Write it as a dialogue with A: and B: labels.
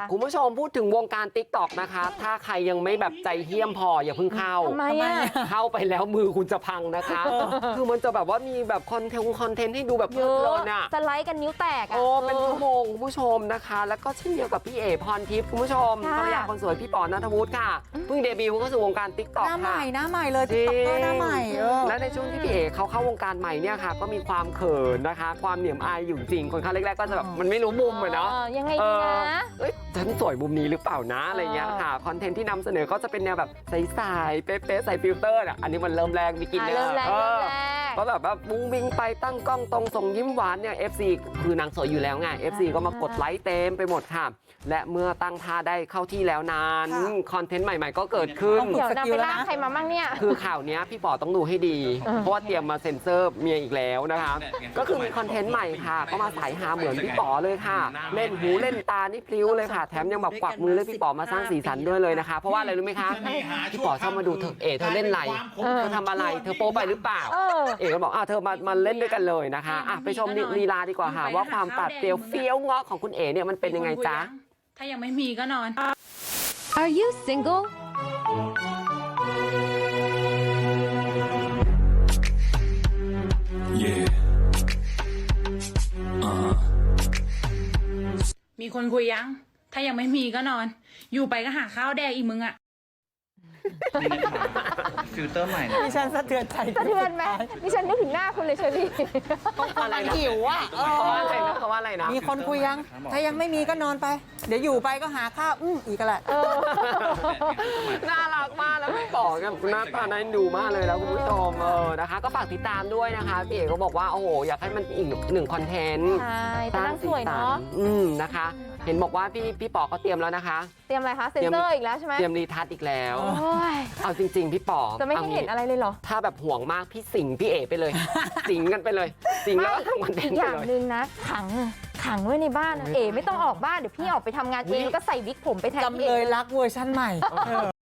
A: คุณผู้ชมพูดถึงวงการ TikTok นะคะ ถ้าใครยังไม่แบบใจเหี้ยมพออย่าเพิ่งเข้า
B: ทำไมอะ
A: เข้าไปแล้วมือคุณจะพังนะคะ คือมันจะแบบว่ามีแบบคอนเทนต์ให้ดูแบบเพ
B: เย
A: ลิ
B: อะ
A: นๆอ่ะ
B: สไลด์กันนิ้วแตกอ่ะ
A: โอ้เป็นชั่วโมงคุณผู้ชมนะคะ แล้วก็เช่นเดียวกับพี่เอ๋พรทิพย์คุณผู้ชม
B: ค่ะ
A: ภรรยาคนสวยพี่ป๋อณัฐวุฒิค่ะเพิ่งเดบิวต์เข้าสู่วงการ TikTok
C: หน้าให
A: ค่ะ
C: ม่หน้าใหม่เลยติ๊กต็อกเกอร์หน้าใหม่
A: และในช่วงที่พี่เอ๋เขาเข้าวงการใหม่เนี่ยค่ะ ก็มีความเขินนะคะ ความเหนียมอายอยู่จริงคนเข้าแรกๆก็จะแบบมันไม่รู้มุมอะเนาะ
B: ยังไงดีนะ
A: เอ้ยฉันสวยมุมนี้หรือเปล่านะอะไรเงี้ยค่ะคอนเทนต์ที่นำเสนอก็จะเป็นแนวแบบใสๆเป๊ะๆใส่ฟิลเตอร์อ่ะอันนี้มันเริ่มแรงมีกิน
B: เริ่มแรก
A: ก็แบบว่าบุ้งบิงไปตั้งกล้องตรงส่งยิ้มหวานเนี่ย FC คือนางสวยอยู่แล้วไง FC ก็มากดไลค์เต็มไปหมดค่ะ และเมื่อตั้งท่าได้เข้าที่แล้วนั้นคอนเทนต์ใหม่ๆก็เกิดขึ้น
B: เดี๋ยวนางไปล่าใครมามั่งเนี่ย
A: คือข่าวเนี้ยพี่ป๋อต้องดูให้ดี เพราะว่าเตรียมมาเซ็นเซอร์เมียอีกแล้วนะคะ ก็คือมีคอนเทนต์ใหม่ค่ะ ก็มาสายหาเหมือนพี่ป๋อเลยค่ะ เล่นหูเล่นตานี่พลิ้วเลยค่ะ แถมยังแบบกวักมือเรียกพี่ป๋อมาสร้างสีสันด้วยเลยนะคะ เพราะว่าอะไรรู้ไหมคะ พี่ป๋อชอบมาดูเธอเธอเล่นอะไรเธอทำอะไรเธอโป๊ไปหรือเปล่า เอ๋ก็บอกเธอมาเล่นด้วยกันเลยนะคะไปชมลีลาดีกว่าค่ะว่าความปัดเปรียวเฟี้ยวเงาะของคุณเอ๋เนี่ยมันเป็นยังไงจ๊ะ
D: ถ้ายังไม่มีก็นอน
E: Are you single?
F: Yeah.
D: มีคนคุยยัง ถ้ายังไม่มีก็นอน อยู่ไปก็หาข้าวแดกอีกมึงอะ
F: ฟิลเตอร์ใหม่นะ
C: ดิฉันสะเทือนใจ
B: สะเทือนไหมดิฉันนึกถึงหน้าคุณเลยเชอรี่
A: อะไรนะ
C: หิวอ่ะ
A: เขาว่าอะไรนะเขาว่าอะไรนะ
C: มีคนคุยยัง ถ้ายังไม่มีก็นอนไป เดี๋ยวอยู่ไปก็หาข้าวอีกแหละ
A: น่ารักมากแล้วพี่ป๋อกับหน้าตาน่าดูมากเลยแล้วคุณผู้ชมนะคะ ก็ฝากติดตามด้วยนะคะพี่เอ๋ก็บอกว่าโอ้โหอยากให้มันอีกหนึ่งคอนเทนต์
B: ใช่แต่นางสวยเนาะ
A: นะคะ เห็นบอกว่าพี่ป๋อก็เตรียมแล้วนะคะ
B: เตรียมอะไรคะ เซ็นเซอร์อีกแล้วใช่ไหม
A: เตรียมรีทัชอีกแล้ว
B: โอ้ย
A: เอาจริง ๆ พี่ป๋อ
B: จะไม่ให้เห็นอะไรเลยเหรอ
A: ถ้าแบบห่วงมากพี่สิงพี่เอ๋ไปเลย สิงกันไปเลย สิงแล้วก็ทำคอนเทน
B: อี
A: ต์
B: ก
A: ไป
B: อย่าง
A: เลย
B: หนึ่งนะ ขังไว้ในบ้านนะเอ๋ไม่ต้องออกบ้าน เดี๋ยวพี่ออกไปทำงานเองแล้วก็ใส่วิกผมไปแทนพี่
C: จำเล
B: เอ๋
C: ยรักเวอร์ชั่นใหม่